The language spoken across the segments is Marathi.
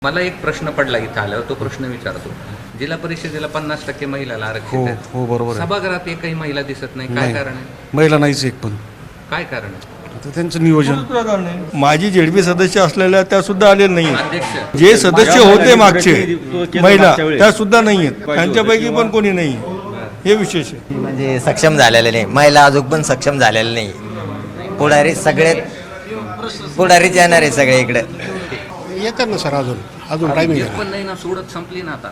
मला एक प्रश्न पडला इथं आल्यावर, तो प्रश्न विचारतो. जिल्हा परिषदेला 50% महिलाला आरक्षित हो आहे. हो बरोबर आहे. सभागृहात एकही महिला दिसत नाही. काय नाही. कारण आहे? महिला नाहीच एक पण. काय कारण आहे? आता त्यांचं नियोजन. माजी झेडपी सदस्य असलेल्या त्या सुद्धा आलेल्या नाही. अध्यक्ष जे सदस्य होते मागचे महिला त्या सुद्धा नाही आहेत. त्यांच्यापैकी पण कोणी नाही. हे विशेष आहे. म्हणजे सक्षम झालेले नाही, महिला अजून पण सक्षम झालेले नाही. पुढारी सगळे पुढारीच येणार आहे सगळे इकडे. येतात ना सर, अजून टायमिंग एक पण नाही ना. सोडत संपली ना आता.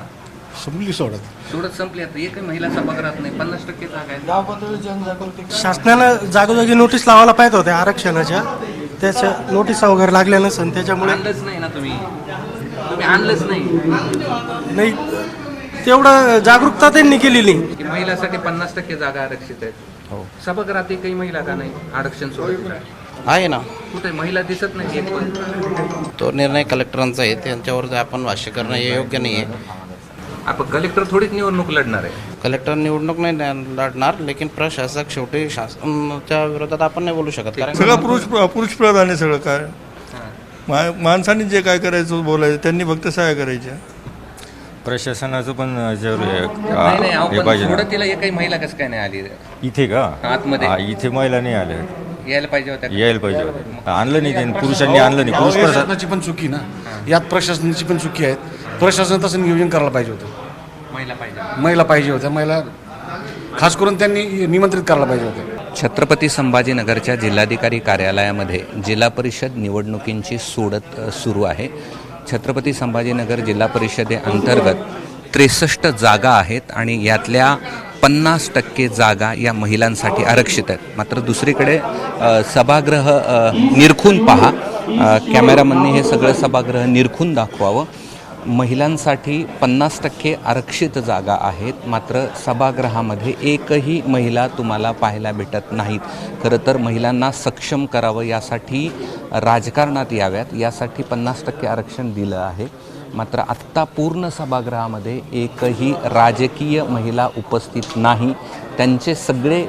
सोडत संपली आता. एकही महिला सभागृहात नाही. 50% जागा आहे. शासनानं जागोजागी नोटीस लावायला पाहिजे होत्या आरक्षणाच्या. त्याच्या नोटीस वगैरे लागल्या नसेल त्याच्यामुळे आणलंच नाही ना तुम्ही आणलंच नाही. तेवढं जागरूकता त्यांनी केलेली नाही. की महिलासाठी 50% जागा आरक्षित आहेत. सभागृहात एकही महिला का नाही आरक्षण सोडत? आहे ना. कुठे महिला दिसत नाही एक पण. तो निर्णय कलेक्टरांचा आहे, त्यांच्यावर आपण भाष्य करणं हे योग्य नाही आहे. आपण कलेक्टर थोडीच निवडणूक लढणार आहे. कलेक्टर निवडणूक नाही लढणार, लेकिन प्रशासक शेवटी शासनाच्या विरोधात आपण नाही बोलू शकत. कारण सगळं पुरुष प्रधान आहे सगळं. काय माणसांनी जे काय करायचं बोलायचं, त्यांनी फक्त सहाय्य करायच्या. प्रशासनाचं पण जरूर नाही, हे पाहिजे ना. सोडतीला एकही महिला कसं काय नाही आली इथे का आतमध्ये? इथे महिला नाही आल्या. यायला पाहिजे होत्या. यायला पाहिजे होतं. आणलं नाही त्यांनी, पुरुषांनी आणलं नाही. पुरुष प्रशासन प्रशासनाची पण चुकी ना, यात प्रशासनाची पण चुकी आहे. प्रशासन तसं नियोजन करायला पाहिजे होतं. महिला पाहिजे होत्या. महिला खास करून त्यांनी निमंत्रित करायला पाहिजे होतं. छत्रपती संभाजीनगरच्या जिल्हाधिकारी कार्यालयामध्ये जिल्हा परिषद निवडणुकींची सोडत सुरू आहे. छत्रपती संभाजीनगर जिल्हा परिषदेअंतर्गत 63 जागा आहेत आणि यातल्या 50% जागा या महिलांसाठी आरक्षित आहेत. मात्र दुसरीकडे सभागृह निरखून पहा. कॅमेरामनने हे सगळं सभागृह निरखून दाखवावं. महिलांसाठी 50% आरक्षित जागा आहेत, मात्र सभागृहामध्ये एकही महिला तुम्हाला पाहायला भेटत नाहीत. खरं तर महिलांना सक्षम करावं, यासाठी राजकारणात याव्यात, यासाठी 50% आरक्षण दिलं आहे. मात्र आत्ता पूर्ण सभागृहामध्ये एकही राजकीय महिला उपस्थित नाही. त्यांचे सगळे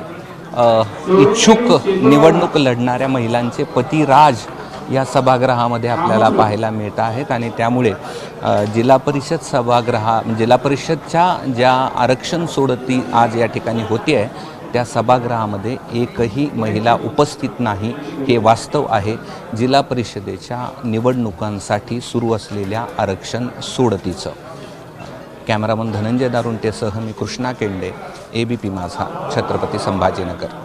इच्छुक निवडणूक लढणाऱ्या महिलांचे पती राज या सभागृहामध्ये आपल्याला पाहायला मिळत आहेत. आणि त्यामुळे जिल्हा परिषदच्या ज्या आरक्षण सोडती आज या ठिकाणी होती आहे, त्या सभागृहामध्ये एकही महिला उपस्थित नाही. हे वास्तव आहे जिल्हा परिषदेच्या निवडणुकांसाठी सुरू असलेल्या आरक्षण सोडतीचं. कॅमेरामन धनंजय दारुंटेसह मी कृष्णा केंडे, ABP माझा, छत्रपती संभाजीनगर.